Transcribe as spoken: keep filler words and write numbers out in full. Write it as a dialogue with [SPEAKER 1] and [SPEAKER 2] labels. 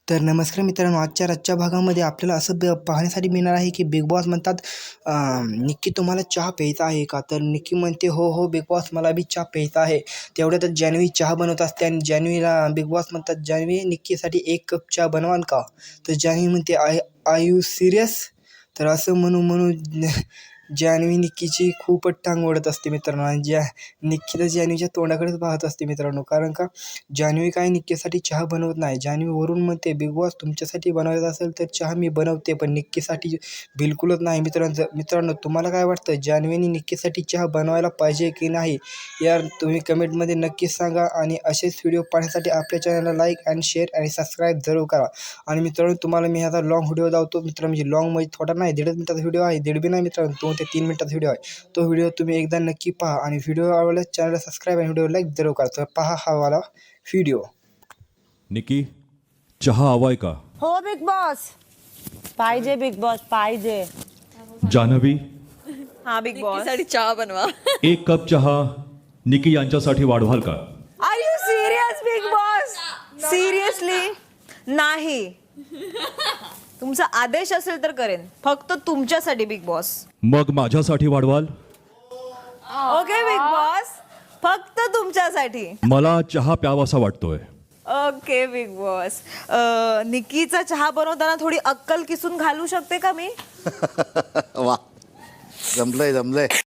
[SPEAKER 1] तर नमस्कार मित्रांनो, आजच्या आजच्या भागामध्ये आपल्याला असं ब पाहण्यासाठी मिळणार आहे की बिग बॉस म्हणतात निक्की तुम्हाला चहा प्यायचा आहे का? तर निक्की म्हणते हो हो बिग बॉस मला बी चहा प्यायचा आहे. तेवढ्यातच जान्हवी चहा बनवत असते आणि जान्हवीला बिग बॉस म्हणतात जान्हवी निक्कीसाठी एक कप चहा बनवाल का? तर जान्हवी म्हणते आय आय यू सिरियस? तर असं म्हणू म्हणू जान्हवी निक्कीची खूपच टांग ओढत असते मित्रांनो आणि ज्या निक्की तर जान्हवीच्या तोंडाकडेच पाहत असते मित्रांनो. कारण का जान्हवी काय निक्कीसाठी चहा बनवत नाही. जान्हवी वरून म्हणते बिग बॉस तुमच्यासाठी बनवायचा असेल तर चहा मी बनवते, पण निक्कीसाठी बिलकुलच नाही. मित्रांनो मित्रांनो तुम्हाला काय वाटतं, जान्हवीने निक्कीसाठी चहा बनवायला पाहिजे की नाही यार तुम्ही कमेंटमध्ये नक्कीच सांगा. आणि असेच व्हिडिओ पाहण्यासाठी आपल्या चॅनलला लाईक आणि शेअर आणि सबस्क्राईब जरूर करा. आणि मित्रांनो तुम्हाला मी ह्याचा लॉंग व्हिडिओ दावतो मित्रांनो, म्हणजे लॉंग म्हणजे थोडा नाही, दीडच मिनिटाचा व्हिडिओ आहे, दीड बी नाही मित्रांनो, दोन ते तीन मिनिटाचा व्हिडिओ आहे. तो व्हिडिओ तुम्ही एकदा नक्की पहा आणि व्हिडिओ आवडल्यास चॅनलला सबस्क्राईब आणि व्हिडिओ लाईक जरूर करा. तर पहा हा वाला व्हिडिओ.
[SPEAKER 2] निकी चहा हवाय का?
[SPEAKER 3] हो बिग बॉस. पाहिजे बिग बॉस पाहिजे.
[SPEAKER 2] जान्हवी
[SPEAKER 3] हा बिग बॉस.
[SPEAKER 4] साठी चहा बनवा.
[SPEAKER 2] एक कप चहा निकी यांच्यासाठी वाढवाल का?
[SPEAKER 3] Are you serious big boss? Seriously नाही. तुमचा आदेश असेल तर करेन, फक्त तुमच्यासाठी बिग बॉस.
[SPEAKER 2] मग माझ्यासाठी वाढवाल?
[SPEAKER 3] ओके बिग बॉस, फक्त तुमच्यासाठी.
[SPEAKER 2] मला चहा प्यावासा वाटतोय.
[SPEAKER 3] Okay big boss. निकीचा चहा बनवताना थोडी अक्कल किसून घालू शकते का मी?
[SPEAKER 5] वा, जमलंय जमलंय.